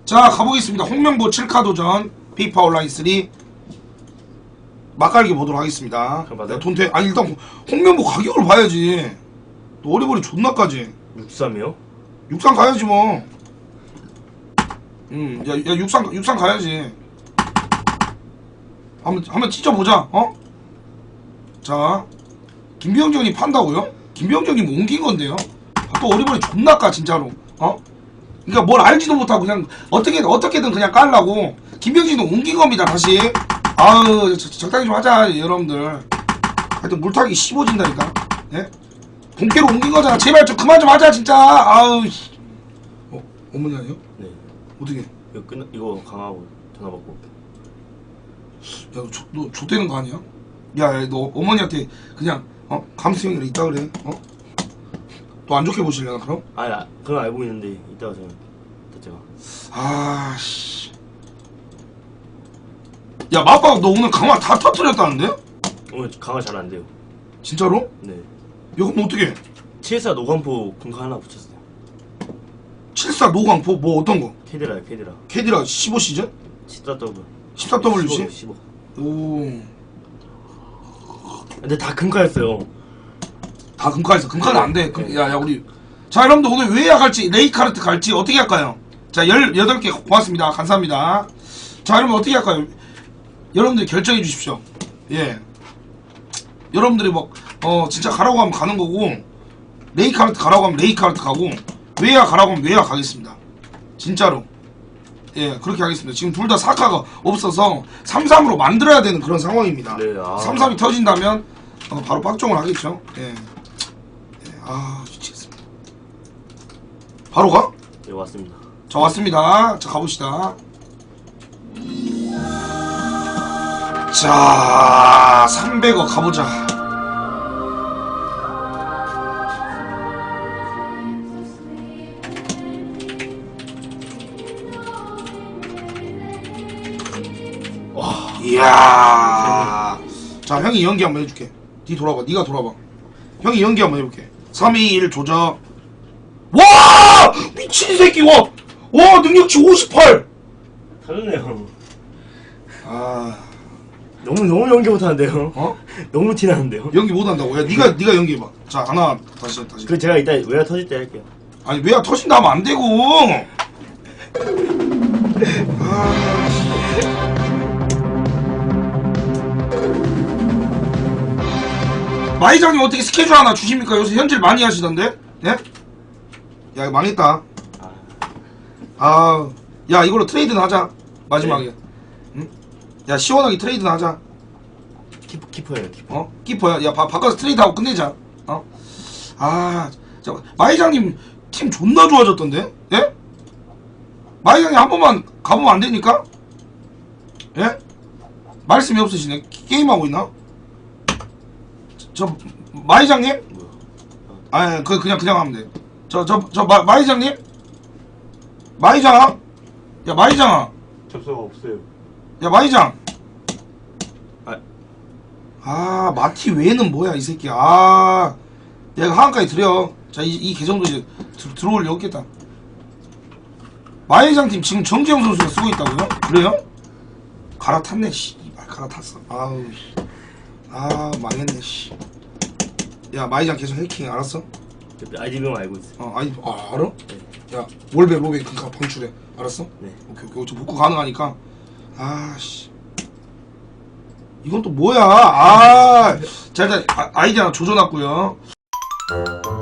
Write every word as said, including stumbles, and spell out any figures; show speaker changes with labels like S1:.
S1: 자, 가보겠습니다. 홍명보 칠 카 도전 피파 온라인 삼 맛깔기 보도록 하겠습니다. 돈 돼. 아니 일단 홍명보 가격을 봐야지. 또 어리버리 존나까지.
S2: 육삼이요?
S1: 육삼 가야지 뭐. 음, 야, 야 육삼 육삼 가야지. 한번 한번 찢어보자. 어? 자, 김병정이 판다고요? 김병정이 뭐 옮긴 건데요? 또 어리버리 존나까 진짜로. 어? 그러니까 뭘 알지도 못하고 그냥 어떻게 어떻게든 그냥 깔라고. 김병진도 옮긴 겁니다 다시. 아우 저, 적당히 좀 하자 여러분들. 하여튼 물타기 씹어진다니까. 예? 본캐로 옮긴 거잖아. 제발 좀 그만 좀 하자 진짜. 아우. 어 어머니 아니요?
S2: 네.
S1: 어떻게?
S2: 이거 끝나 이거 강하고 전화 받고.
S1: 야 너, 너 좆되는 거 아니야? 야 너 어머니한테 그냥 어 감수형이라 있다 그래. 어? 또 안 좋게 보실려나 그럼?
S2: 아니 아, 그건 알고 있는데 이따가 저는 제가.
S1: 아씨. 야 마빠가 너 오늘 강화 다 터뜨렸다는데?
S2: 오늘 강화 잘 안 돼요.
S1: 진짜로?
S2: 네.
S1: 이거 뭐 어떻게?
S2: 칠사 노광포 금카 하나 붙였어요.
S1: 칠사 노광포 뭐 어떤 거?
S2: 캐디라요 캐디라.
S1: 캐디라 십오 시즌?
S2: 십사 더블.
S1: 십사 더블유씨?
S2: 십오.
S1: 오.
S2: 근데 다 금카였어요.
S1: 다 금카에서 금카는 안 돼.
S2: 네.
S1: 야야 우리. 자 여러분들 오늘 웨이야 갈지 레이카르트 갈지 어떻게 할까요? 자 열여덟 개 고맙습니다. 감사합니다. 자 여러분 어떻게 할까요? 여러분들 결정해 주십시오. 예. 여러분들이 뭐 어 진짜 가라고 하면 가는 거고 레이카르트 가라고 하면 레이카르트 가고 웨이야 가라고 하면 웨이야 가겠습니다. 진짜로. 예 그렇게 하겠습니다. 지금 둘 다 사카가 없어서 삼 삼으로 만들어야 되는 그런 상황입니다.
S2: 네, 아.
S1: 삼 삼이 터진다면 어, 바로 빡종을 하겠죠. 예. 예. 아 미치겠습니다. 바로 가?
S2: 네 왔습니다.
S1: 자 왔습니다. 자 가봅시다. 자 삼백억 가보자.
S2: 와.
S1: 이야. 자 형이 연기 한번 해줄게. 니 돌아봐. 니가 돌아봐. 형이 연기 한번 해볼게. 삼, 이, 일 조져. 와 미친 새끼. 와. 와 능력치 오십팔.
S2: 다르네요.
S1: 아
S2: 너무 너무 연기 못하는데요.
S1: 어?
S2: 너무 티나는데요.
S1: 연기 못한다고. 야 니가 니가 연기해봐. 자 하나 다시 다시.
S2: 그 제가 이따 외야 터질 때 할게요.
S1: 아니 왜야 터진다 하면 안 되고. 아. 마이장님 어떻게 스케줄 하나 주십니까? 요새 현질 많이 하시던데? 예? 야 이거 망했다. 아, 야 이걸로 트레이드는 하자. 마지막에.
S2: 네.
S1: 응? 야 시원하게 트레이드는 하자.
S2: 키퍼 키퍼예요 키퍼.
S1: 어? 키퍼야. 야 바, 바꿔서 트레이드하고 끝내자. 어? 아, 자 마이장님 팀 존나 좋아졌던데? 예? 마이장님 한 번만 가보면 안 되니까? 예? 말씀이 없으시네. 게- 게임하고 있나? 저 마이장님?
S2: 뭐야?
S1: 아, 그 그냥 그냥 하면 돼. 저 저 저 마이장님? 마이장아? 야 마이장아.
S2: 접수가 없어요.
S1: 야 마이장.
S2: 아.
S1: 아 마티 외에는 뭐야 이 새끼. 아, 내가 하한까지 드려. 자, 이, 이 계정도 이제 들, 들어올 리 없겠다. 마이장 팀 지금 정재영 선수가 쓰고 있다고요? 그래요? 갈아탔네 씨. 아, 갈아탔어. 아우 씨. 아 망했네 씨. 야 마이장 계속 해킹 알았어?
S2: 아이디명 알고 있어요.
S1: 어 아니 아 알아?
S2: 네.
S1: 야 월배 로베 금카 방출해 알았어?
S2: 네.
S1: 오케이 오케이 저 복구 가능하니까. 아씨 이건 또 뭐야. 아 자 일단 아, 아이디 하나 조져놨고요.